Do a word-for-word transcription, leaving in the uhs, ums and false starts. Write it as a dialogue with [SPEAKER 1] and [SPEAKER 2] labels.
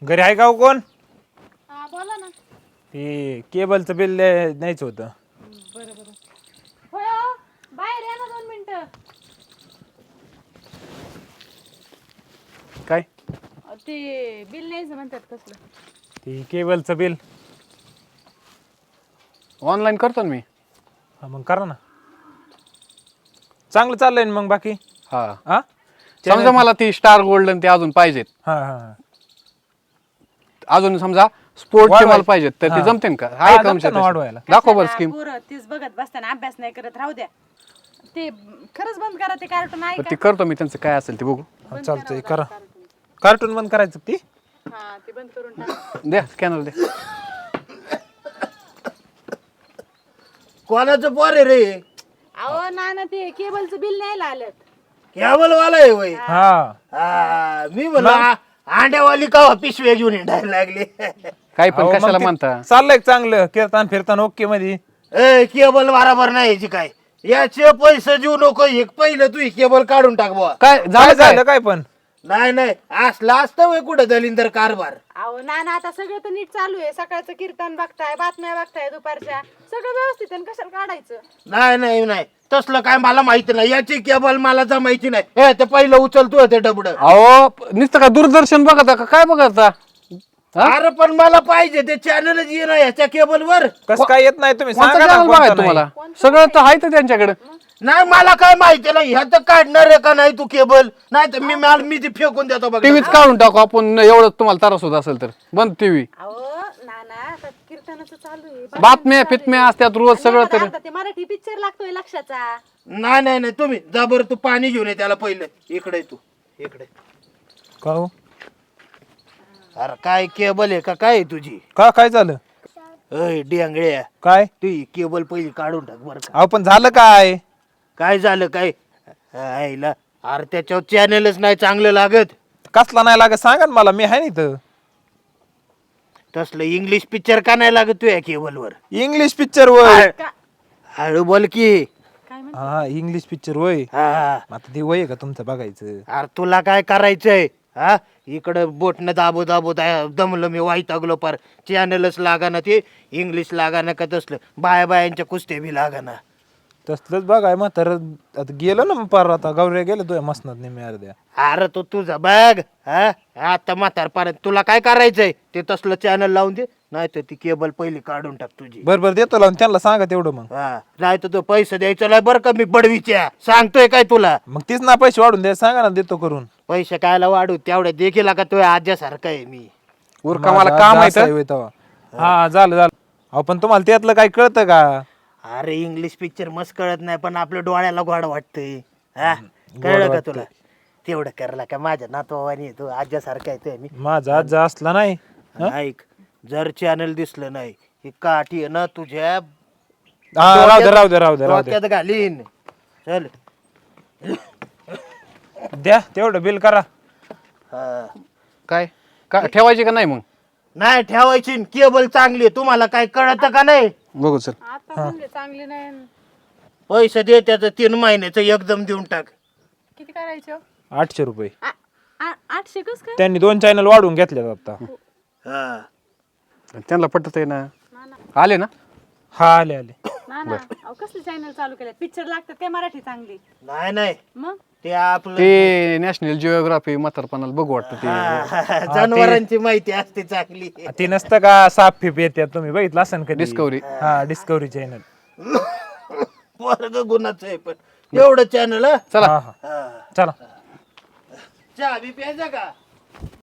[SPEAKER 1] घरी आहे का हो कोण?
[SPEAKER 2] हा बोला ना.
[SPEAKER 1] ते केबलचं बिल द्यायचं होतं.
[SPEAKER 2] बरं बरं. होय हो, बाहेर या ना दोन मिनिटं.
[SPEAKER 1] काय?
[SPEAKER 2] अ, ते बिल न्यायचं म्हणतात कसलं?
[SPEAKER 1] ते केबलचं बिल.
[SPEAKER 3] ऑनलाईन करतो ना मी.
[SPEAKER 1] हा मग करा ना. चांगलं चाललंय ना मग बाकी?
[SPEAKER 3] हा
[SPEAKER 1] हा
[SPEAKER 3] समजा मला ती स्टार गोल्डन ते अजून पाहिजेत.
[SPEAKER 1] हा हा
[SPEAKER 3] अजून समजा स्पोर्टचे
[SPEAKER 1] वाढवाय-
[SPEAKER 3] मला पाहिजेत तर ते
[SPEAKER 1] हा.
[SPEAKER 3] जमते का?
[SPEAKER 1] हा,
[SPEAKER 3] आहे का
[SPEAKER 1] जमतं
[SPEAKER 3] तुमच्या
[SPEAKER 1] ना
[SPEAKER 3] तशा?
[SPEAKER 1] वाढवायला.
[SPEAKER 3] दाखव बरं
[SPEAKER 2] कशाला
[SPEAKER 3] स्कीम.
[SPEAKER 2] पोरं तीच बघत बसताना अभ्यास नाही करत राहू द्या. ते खरंच बंद करा ते कार्टून आहे
[SPEAKER 3] ते
[SPEAKER 2] का?
[SPEAKER 3] करतो मी त्यांचं काय असेल ते बघू.
[SPEAKER 2] बंद
[SPEAKER 1] चालतंय
[SPEAKER 2] करावं
[SPEAKER 1] करा.
[SPEAKER 2] कार्टून.
[SPEAKER 1] कार्टून बंद करायचं ती?
[SPEAKER 2] हा ते बंद करून टाका.
[SPEAKER 3] द्या स्कॅनर द्या.
[SPEAKER 4] कोणाचं पोर आहे रे?
[SPEAKER 2] अहो ना ना ते केबलचं बिल न्यायला आलेत.
[SPEAKER 4] कॅबल वाला आहे वय.
[SPEAKER 1] हा
[SPEAKER 4] हा, मी म्हणलो अंड्यावाली का पिशव्या घेऊन हिंडायला लागली.
[SPEAKER 3] काही पण
[SPEAKER 1] अहो, मग
[SPEAKER 3] कशाला
[SPEAKER 1] ते
[SPEAKER 3] म्हणता.
[SPEAKER 1] चाललंय चांगलं कीर्तन फिरतान ओके मध्ये.
[SPEAKER 4] ए केबल बराबर नाही याची काय याचे पैसे देऊ नको एक पहिलं तू ही केबल काढून टाक बुवा.
[SPEAKER 3] काय
[SPEAKER 1] काय
[SPEAKER 3] झालं काय
[SPEAKER 1] झालं काय पण?
[SPEAKER 4] नाही नाही असला असतं वय कुठं दलिंदर कारभार.
[SPEAKER 2] अहो ना ना आता सगळं तर नीट चालू आहे. सकाळचं कीर्तन बघताय, बातम्या बघताय दुपारच्या. सगळं व्यवस्थित आहे ना, कशाला काढायचं?
[SPEAKER 4] नाही नाही नाही तसलं काय मला माहिती नाही याची केबल मला तर माहिती नाही. हे ते पहिलं उचलतो ते डबड.
[SPEAKER 3] अहो नुसतं का दूरदर्शन बघता का काय बघता? हा?
[SPEAKER 4] अरे पण मला पाहिजे ते चॅनलच ये ना याच्या केबल वर.
[SPEAKER 1] कसं काय येत नाही तुम्ही
[SPEAKER 3] कोणतं
[SPEAKER 1] सांगा ना
[SPEAKER 3] channel
[SPEAKER 1] कोणतं
[SPEAKER 3] बघायचं
[SPEAKER 1] नाही.
[SPEAKER 3] तुम्हाला? सगळं तर आहे तर त्यांच्याकडे.
[SPEAKER 4] नाही मला काय माहिती नाही ह्या तर काढणार आहे का नाही तू केबल नाही तर मी मला मी ती फेकून देतो बघ.
[SPEAKER 3] टीव्हीच काढून टाकू आपण एवढं तुम्हाला त्रास होत असेल तर. बंद टीव्ही.
[SPEAKER 2] अहो ना ना आता कीर्तनाचं चालू आहे.
[SPEAKER 3] बातम्या फितम्या असतात रोज
[SPEAKER 2] आणि
[SPEAKER 3] सगळं
[SPEAKER 2] एखादा
[SPEAKER 3] तर.
[SPEAKER 2] अर्धा ते मराठी पिक्चर लागतोय लक्षाचा.
[SPEAKER 4] नाही नाही नाही तुम्ही जा बरं तू पाणी घेऊन ये त्याला पहिलं. इकडे ये तू इकडे.
[SPEAKER 1] का हो?
[SPEAKER 4] अरे काय केबल आहे का काय आहे तुझी?
[SPEAKER 1] का काय झालं?
[SPEAKER 4] अय डिंगळ्या
[SPEAKER 1] काय?
[SPEAKER 4] तू ही केबल पहिली काढून टाक बरं का.
[SPEAKER 1] अहो पण झालं काय?
[SPEAKER 4] काय झालं काय आईला अरे त्याच्यावर चॅनलच नाही चांगलं लागत.
[SPEAKER 1] कसला नाही लागत सांगा ना मला, मी आहे ना इथं.
[SPEAKER 4] तसलं इंग्लिश पिक्चर का नाही लागत तुझ्या केबलवर?
[SPEAKER 1] इंग्लिश पिक्चर वय.
[SPEAKER 2] का-
[SPEAKER 4] हळू बोल की.
[SPEAKER 2] काय म्हण
[SPEAKER 1] हा इंग्लिश पिक्चर वय.
[SPEAKER 4] हा
[SPEAKER 1] आता ते वय आहे का तुमचं बघायचं?
[SPEAKER 4] अरे तुला काय करायचंय हा इकडं बोटनं दाबो दाबो दा- दमलं मी वाईटागलो पार. चॅनलच लागाना ते इंग्लिश लागाना का तसलं बाया बायांच्या कुस्त्या बी लागाना.
[SPEAKER 1] तसलंच बघाय म्हातार आता गेलो ना मग पार आता गौऱ्या गेलो तुझ्या मसनात नेहमी अर्ध्या.
[SPEAKER 4] अरे तो तुझा बघ हा आता म्हातारपर्यंत तुला काय करायचंय ते तसलं चॅनल लावून दे नाही तर ती केबल पहिली काढून टाक तुझी.
[SPEAKER 1] बर बर देतो लावून त्यांना सांगा तेवढं मग.
[SPEAKER 4] हा नाही तर तो पैसे द्यायचा नाही बरं का मी बडवीच्या सांगतोय काय तुला.
[SPEAKER 1] मग तीच ना पैसे वाढून द्या सांगा ना देतो करून.
[SPEAKER 4] पैसे कायला वाढू तेवढ्या देखील का तो आज्यासारखा आहे मी.
[SPEAKER 3] उरका मला
[SPEAKER 1] माझा
[SPEAKER 3] काम
[SPEAKER 1] जास्त
[SPEAKER 3] आहे तर.
[SPEAKER 1] होय तेव्हा. हा झालं झालं. अहो पण तुम्हाला त्यातलं काही कळतं का?
[SPEAKER 4] अरे इंग्लिश पिक्चर मस्त कळत नाही पण आपल्या डोळ्याला गोड वाटतंय. हा कळलं का तुला? तेवढं करला का माझ्या नातवानी तू आज्यासारखा येतोय मी.
[SPEAKER 1] माझा आज असला नाही.
[SPEAKER 4] ऐक जर चॅनल दिसलं नाही ही काठी आहे ना तुझ्या
[SPEAKER 1] हा राहू दे राहू दे राहू दे राहू दे.
[SPEAKER 4] डोक्यात घालीन. चल
[SPEAKER 1] द्या तेवढं बिल करा.
[SPEAKER 4] हा.
[SPEAKER 3] काय का ठेवायची का नाही मग?
[SPEAKER 4] नाही ठेवायची न, केबल चांगली आहे. तुम्हाला काय कळत का नाही?
[SPEAKER 3] बघू चल.
[SPEAKER 2] आता म्हणले चांगले नाही.
[SPEAKER 4] पैसे दे त्याचं तीन महिन्याचं एकदम देऊन टाक.
[SPEAKER 2] किती करायचे हो?
[SPEAKER 1] आठशे रुपये.
[SPEAKER 2] आ- आ- आठशे कस काय?
[SPEAKER 1] त्यांनी दोन चॅनल वाढवून घेतले आता.
[SPEAKER 4] हा
[SPEAKER 3] त्यांना पटत आहे ना.
[SPEAKER 2] ना ना
[SPEAKER 3] आले ना.
[SPEAKER 1] हा आले आले.
[SPEAKER 2] ना ना अहो कसले चॅनल चालू केले? पिक्चर लागतात काय मराठी चांगली?
[SPEAKER 4] नाही नाही
[SPEAKER 2] मग
[SPEAKER 4] ते आपलं
[SPEAKER 3] ते नॅशनल जिओग्राफी म्हातारपणाला बघू वाटतं ते.
[SPEAKER 4] हा, जनावरांची माहिती असते चांगली.
[SPEAKER 1] ते नसतं का साप फिप येतात तुम्ही बघितलं असेल कधी?
[SPEAKER 3] डिस्कवरी.
[SPEAKER 1] हा डिस्कवरी चॅनल.
[SPEAKER 4] वर्ग गुणाचं आहे पण एवढं चॅनल
[SPEAKER 3] चला
[SPEAKER 1] हा हा चला.
[SPEAKER 4] चहा बी प्यायचा का?